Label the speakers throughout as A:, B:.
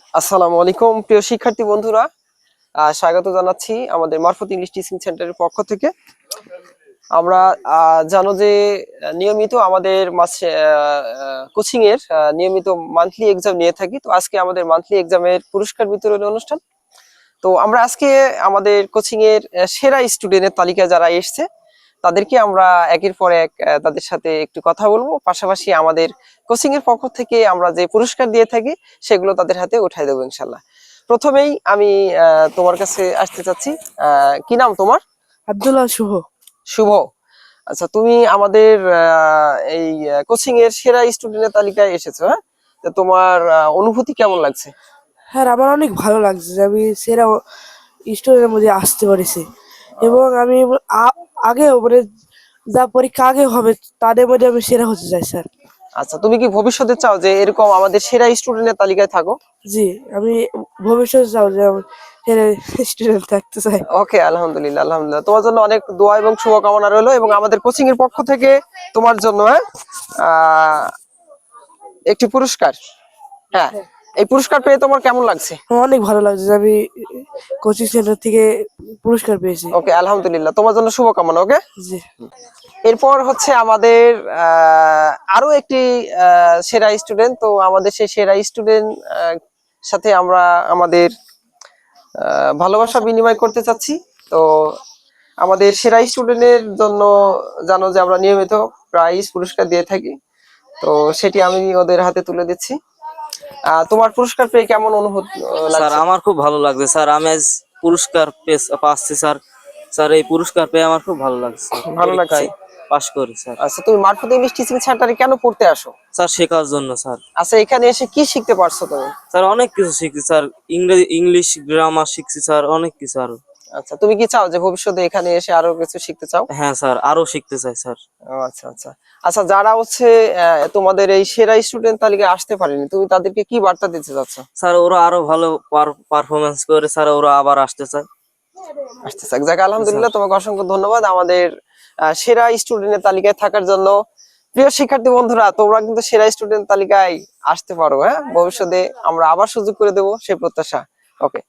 A: আসসালামু আলাইকুম প্রিয় শিক্ষার্থী বন্ধুরা, স্বাগত জানাচ্ছি আমাদের মারফত ইংলিশ টিচিং সেন্টারের পক্ষ থেকে। আমরা জানো যে নিয়মিত আমাদের কোচিং এর নিয়মিত মান্থলি এক্সাম নিয়ে থাকি। তো আজকে আমাদের মান্থলি এক্সামের পুরস্কার বিতরণ অনুষ্ঠান। তো আমরা আজকে আমাদের কোচিং এর সেরা স্টুডেন্টের তালিকায় যারা এসছে তাদেরকে আমরা একের পর এক তাদের সাথে একটু কথা বলবো, পাশাপাশি আমাদের কোচিং এর পক্ষ থেকে আমরা যে পুরস্কার দিয়ে থাকি সেগুলো তাদের হাতে উঠাই দেবো ইনশাল্লাহ। প্রথমেই আমি তোমার কাছে আসতে চাচ্ছি। কি নাম তোমার?
B: আব্দুল্লাহ শুভ।
A: শুভ। আচ্ছা, তুমি আমাদের এই কোচিং এর সেরা স্টুডেন্টের তালিকায় এসেছো, হ্যাঁ? তো তোমার অনুভূতি কেমন লাগছে?
B: হ্যাঁ, আমার অনেক ভালো লাগছে যে আমি সেরা স্টুডেন্টের মধ্যে আসতে পেরেছি। এবং আমি আগে মানে যা পরীক্ষা আগে হবে তাদের মধ্যে আমি সেরা হতে চাই স্যার।
A: আচ্ছা, তুমি কি ভবিষ্যতে চাও যে এরকম আমাদের সেরা স্টুডেন্টের তালিকায় থাকো?
B: জি, আমি ভবিষ্যতে চাও যে আমি সেরা স্টুডেন্ট থাকতে চাই।
A: ওকে, আলহামদুলিল্লাহ আলহামদুলিল্লাহ, তোমার জন্য অনেক দোয়া এবং শুভকামনা রইলো, এবং আমাদের কোচিং এর পক্ষ থেকে তোমার জন্য একটি পুরস্কার। হ্যাঁ, এই পুরস্কার পেয়ে তোমার কেমন লাগছে?
B: আমার অনেক ভালো লাগছে যে আমি কোচিং সেন্টার থেকে পুরস্কার পেয়েছি।
A: ওকে, আলহামদুলিল্লাহ, তোমার জন্য শুভকামনা। ওকে,
B: জি।
A: এরপর হচ্ছে আমাদের আরো একটি সেরা স্টুডেন্ট। তো আমাদের সেই সেরা স্টুডেন্ট সাথে আমরা আমাদের ভালোবাসা বিনিময় করতে চাচ্ছি। তো আমাদের সেরা স্টুডেন্টের জন্য জানো যে আমরা নিয়মিত প্রাইজ পুরস্কার দিয়ে থাকি। তো সেটি আমি ওদের হাতে তুলে দিচ্ছি। তোমার পুরস্কার পেয়ে কেমন অনুভূতি
C: স্যার
A: লাগছে?
C: আমার খুব ভালো লাগছে স্যার, আমি আজ পুরস্কার পাচ্ছি স্যার। স্যার এই পুরস্কার পেয়ে আমার খুব ভালো লাগছে,
A: ভালো লাগছে।
C: পরীক্ষায় পাশ করি স্যার।
A: আচ্ছা, তুমি মারফত ইংলিশ টিচিং সেন্টারে কেন পড়তে আসো?
C: স্যার শেখার জন্য স্যার।
A: আচ্ছা, এখানে এসে কি শিখতে পারছো তুমি?
C: স্যার অনেক কিছু শিখছি স্যার, ইংলিশ গ্রামার শিখছি স্যার, অনেক কিছু আরো।
A: আচ্ছা, তুমি কি চাও যে ভবিষ্যতে এখানে এসে আরো কিছু শিখতে চাও?
C: হ্যাঁ স্যার, আরো শিখতে চাই স্যার।
A: ও আচ্ছা আচ্ছা। আচ্ছা, যারা হচ্ছে তোমাদের এই সেরা স্টুডেন্ট তালিকায় আসতে পারেনি, তুমি তাদেরকে কি বার্তা দিতে চাচ্ছ?
C: স্যার ওরা আরো ভালো পারফরমেন্স করে স্যার, ওরা আবার আসতে চায়।
A: আসতে চাক, যাক আলহামদুলিল্লাহ, তোমাকে অসংখ্য ধন্যবাদ আমাদের সেরা স্টুডেন্টের তালিকায় থাকার জন্য। প্রিয় শিক্ষার্থী বন্ধুরা, তোমরা কিন্তু সেরা স্টুডেন্ট তালিকায় আসতে পারো, হ্যাঁ? ভবিষ্যতে আমরা আবার সুযোগ করে দেবো সেই প্রত্যাশা। ওকে,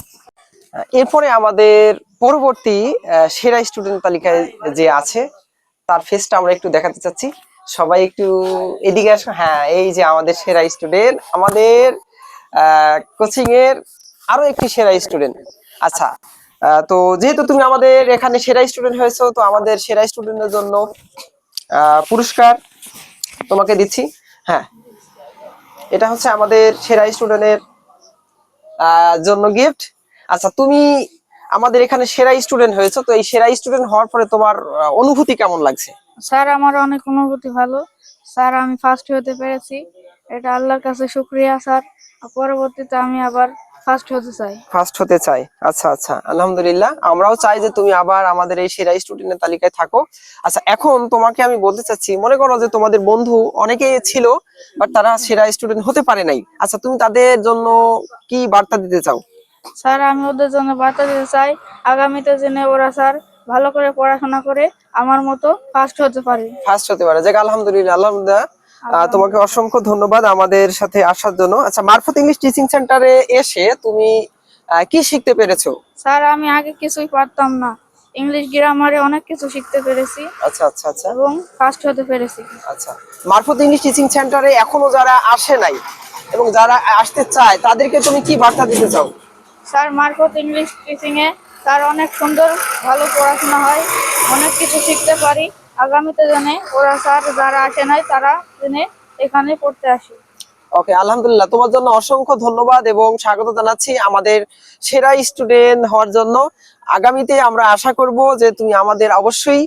A: এরপরে আমাদের পরবর্তী সেরা স্টুডেন্ট তালিকায় যে আছে তার ফেসটা আমরা একটু দেখাতে চাচ্ছি। সবাই একটু এদিকে আসো। হ্যাঁ, এই যে আমাদের সেরা স্টুডেন্ট, আমাদের কোচিং এর আরো একটি সেরা স্টুডেন্ট। আচ্ছা, তো যেহেতু তুমি আমাদের এখানে সেরা স্টুডেন্ট হয়েছো, তো আমাদের সেরা স্টুডেন্টের জন্য পুরস্কার তোমাকে দিচ্ছি। হ্যাঁ, এটা হচ্ছে আমাদের সেরা স্টুডেন্টের জন্য গিফট। আচ্ছা, তুমি আমাদের এখানে সেরা স্টুডেন্ট হয়েছো, তো এই সেরা স্টুডেন্ট হওয়ার পরে তোমার অনুভূতি কেমন লাগছে?
D: স্যার আমার অনেক অনুভূতি ভালো। স্যার আমি ফার্স্ট হতে পেরেছি, এটা আল্লাহর কাছে শুকরিয়া স্যার। পরবর্তীতে আমি আবার ফার্স্ট হতে চাই।
A: ফার্স্ট হতে চাই। আচ্ছা আচ্ছা, আলহামদুলিল্লাহ, আমরাও চাই যে তুমি আবার আমাদের এই সেরা স্টুডেন্টের তালিকায় থাকো। আচ্ছা, এখন তোমাকে আমি বলতে চাচ্ছি, মনে করো যে তোমাদের বন্ধু অনেকেই ছিল বাট তারা সেরা স্টুডেন্ট হতে পারে নাই। আচ্ছা, তুমি তাদের জন্য কি বার্তা দিতে চাও?
D: স্যার আমি ওদের জন্য বার্তা দিতে চাই, আগামীতে যেন ওরা স্যার ভালো করে পড়াশোনা করে আমার মতো ফার্স্ট হতে পারে।
A: ফার্স্ট হতে পারে, যাক আলহামদুলিল্লাহ আলহামদুলিল্লাহ। তোমাকে অসংখ্য ধন্যবাদ আমাদের সাথে আসার জন্য। আচ্ছা, মারফত ইংলিশ টিচিং সেন্টারে এসে তুমি কি শিখতে পেরেছো?
D: স্যার আমি আগে কিছুই পারতাম না, ইংলিশ গ্রামারে অনেক কিছু শিখতে পেরেছি।
A: আচ্ছা আচ্ছা আচ্ছা
D: এবং ফার্স্ট হতে পেরেছি।
A: আচ্ছা, মারফত ইংলিশ টিচিং সেন্টারে এখনো যারা আসে নাই এবং যারা আসতে চায় তাদেরকে তুমি কি বার্তা দিতে চাও?
D: স্যার মারফত ইংলিশ টিচিং এ স্যার অনেক সুন্দর ভালো পড়াশোনা হয়, অনেক কিছু শিখতে পারি। আগামীতে জানে ওরা স্যার যারা আসে নাই তারা জেনে এখানে পড়তে আসে।
A: ওকে, আলহামদুলিল্লাহ, তোমার জন্য অসংখ্য ধন্যবাদ এবং স্বাগত জানাচ্ছি আমাদের সেরা স্টুডেন্ট হওয়ার জন্য। আগামীতে আমরা আশা করব যে তুমি আমাদের অবশ্যই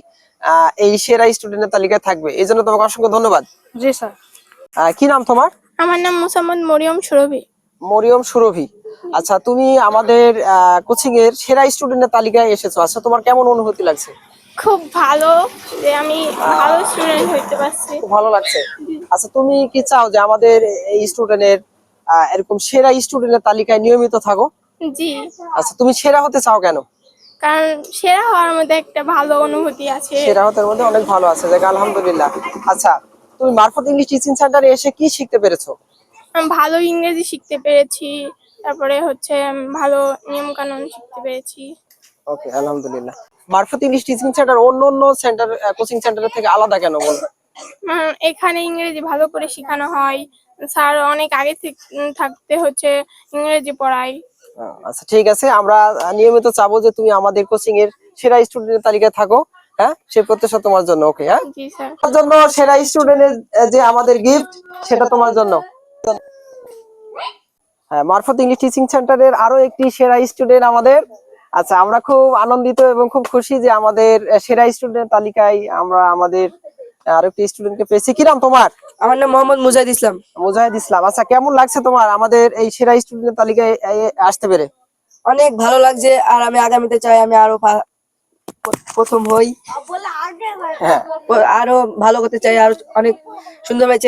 A: এই সেরা স্টুডেন্টের তালিকায় থাকবে, এই জন্য তোমাকে অসংখ্য ধন্যবাদ।
D: জি স্যার।
A: কি নাম তোমার?
D: আমার নাম মোসাম্মদ মরিয়ম সুরভি।
A: মরিয়ম সুরভি। আচ্ছা, তুমি আমাদের কোচিং এর সেরা স্টুডেন্টের তালিকায় এসেছো। আচ্ছা, তোমার কেমন অনুভূতি লাগছে?
D: খুব ভালো যে আমি ভালো স্টুডেন্ট হইতে পারছি।
A: খুব ভালো লাগছে। আচ্ছা, তুমি কি চাও যে আমাদের এই স্টুডেন্টের এরকম সেরা স্টুডেন্টের তালিকায় নিয়মিত থাকো?
D: জি,
A: আচ্ছা, তুমি সেরা হতে চাও কেন?
D: কারণ সেরা হওয়ার মধ্যে একটা ভালো অনুভূতি আছে।
A: সেরা হতে মধ্যে অনেক ভালো আছে, যাক আলহামদুলিল্লাহ। আচ্ছা, তুমি মারফত ইংলিশ টিচিং সেন্টারে এসে কি শিখতে পেরেছো?
D: আমি ভালো ইংরেজি শিখতে পেরেছি,
E: তারপরে হচ্ছে ভালো নিয়ম কানুন শিখতে পেরেছি।
A: ওকে, আলহামদুলিল্লাহ। মারফত ইংলিশ টিচিং সেন্টার অন্য অন্য সেন্টার কোচিং সেন্টারের থেকে আলাদা কেন বলো?
E: এখানে ইংরেজি ভালো করে শেখানো হয়, স্যার অনেক আগে থাকতে হচ্ছে ইংরেজি পড়ায়।
A: আচ্ছা ঠিক আছে, আমরা নিয়মিত চাবো যে তুমি আমাদের কোচিং এর সেরা স্টুডেন্টের তালিকায় থাকো। হ্যাঁ, সেই প্রত্যাশা তোমার জন্য। ওকে, হ্যাঁ,
E: জি স্যার।
A: তোমার জন্য সেরা স্টুডেন্টের যে আমাদের গিফট, সেটা তোমার জন্য। হ্যাঁ, মারফত ইংলিশ টিচিং সেন্টারের আরো একটি সেরা স্টুডেন্ট আমাদের। আচ্ছা, আমরা খুব আনন্দিত এবং খুব খুশি যে আমাদের সেরা স্টুডেন্ট তালিকায় আমরা আমাদের আরো একটি স্টুডেন্টকে পেয়েছি। কি নাম তোমার?
B: আমার নাম মোহাম্মদ মুজাহিদ ইসলাম।
A: মুজাহিদ ইসলাম। আচ্ছা, কেমন লাগছে তোমার আমাদের এই সেরা স্টুডেন্ট তালিকায় আসতে পেরে?
B: অনেক ভালো লাগছে, আর আমি আগামীতে চাই আমি আরো প্রথম হই,
A: হ্যাঁ,
B: আরো ভালো করতে চাই, আর অনেক সুন্দরভাবে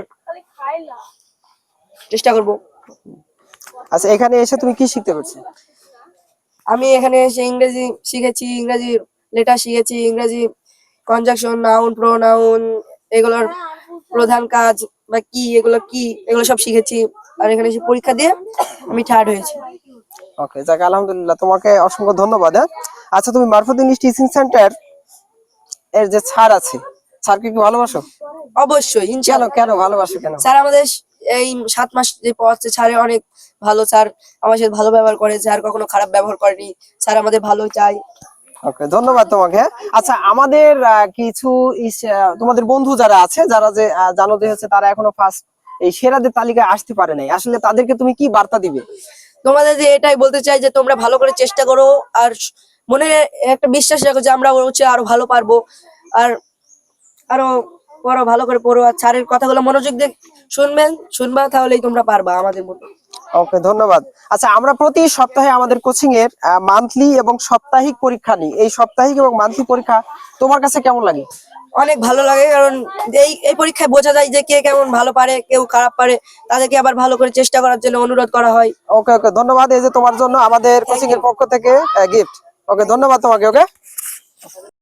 B: চেষ্টা করব।
A: আচ্ছা, এখানে এসে তুমি কি শিখতে পারছো?
B: আমি এখানে এসে ইংরেজি শিখেছি, ইংরেজি লেটার শিখেছি, ইংরেজি কনজাংশন, নাউন, প্রোনাউন, এগুলোর প্রধান কাজ বা কি, এগুলো সব শিখেছি। আর এখানে এসে পরীক্ষা দিয়ে আমি থার্ড হয়েছি।
A: ওকে, যাক আলহামদুলিল্লাহ, তোমাকে অসংখ্য ধন্যবাদ। হ্যাঁ, আচ্ছা, তুমি মারফত ইংলিশ টিচিং সেন্টার এর যে স্যার আছে, স্যারকে কি ভালোবাসো?
B: অবশ্যই,
A: কেন
B: ইনশাআল্লাহ।
A: কেন ভালোবাসো কেন?
B: স্যার আমাদের এই 7 মাস যে পড়াচ্ছে, স্যার অনেক ভালো, স্যার আমার সাথে ভালো ব্যবহার করে, স্যার কখনো খারাপ ব্যবহার করেনি, স্যার আমাদের ভালো চাই।
A: ওকে, ধন্যবাদ তোমাকে। আচ্ছা, আমাদের কিছু তোমাদের বন্ধু যারা আছে, যারা যে জানো যে হচ্ছে তারা এখনো ফার্স্ট এই সেরাদের তালিকায় আসতে পারে নাই, আসলে তাদেরকে তুমি কি বার্তা দিবে?
B: তোমাদের যে এটাই বলতে চাই যে তোমরা ভালো করে চেষ্টা করো, আর মনে একটা বিশ্বাস রাখো যে আমরা হচ্ছে আরো ভালো পারবো, আর আরো পড়ো, ভালো করে পড়ো, আর স্যারের কথাগুলো মনোযোগ দিয়ে শুনবা, তাহলেই তোমরা পারবা আমাদের মতো।
A: ওকে, ধন্যবাদ। আচ্ছা, আমরা প্রতি সপ্তাহে আমাদের কোচিং এর মান্থলি এবং সাপ্তাহিক পরীক্ষা নিই। এই সাপ্তাহিক এবং মান্থলি পরীক্ষা তোমার কাছে কেমন লাগে?
B: অনেক ভালো লাগে, কারণ এই পরীক্ষায় বোঝা যায় যে কে কেমন ভালো পারে, কেউ খারাপ পারে, তাদেরকে আবার ভালো করে চেষ্টা করার জন্য অনুরোধ করা হয়।
A: ওকে ওকে, ধন্যবাদ। এই যে তোমার জন্য আমাদের কোচিং এর পক্ষ থেকে গিফট। ওকে, ধন্যবাদ তোমাকে। ওকে।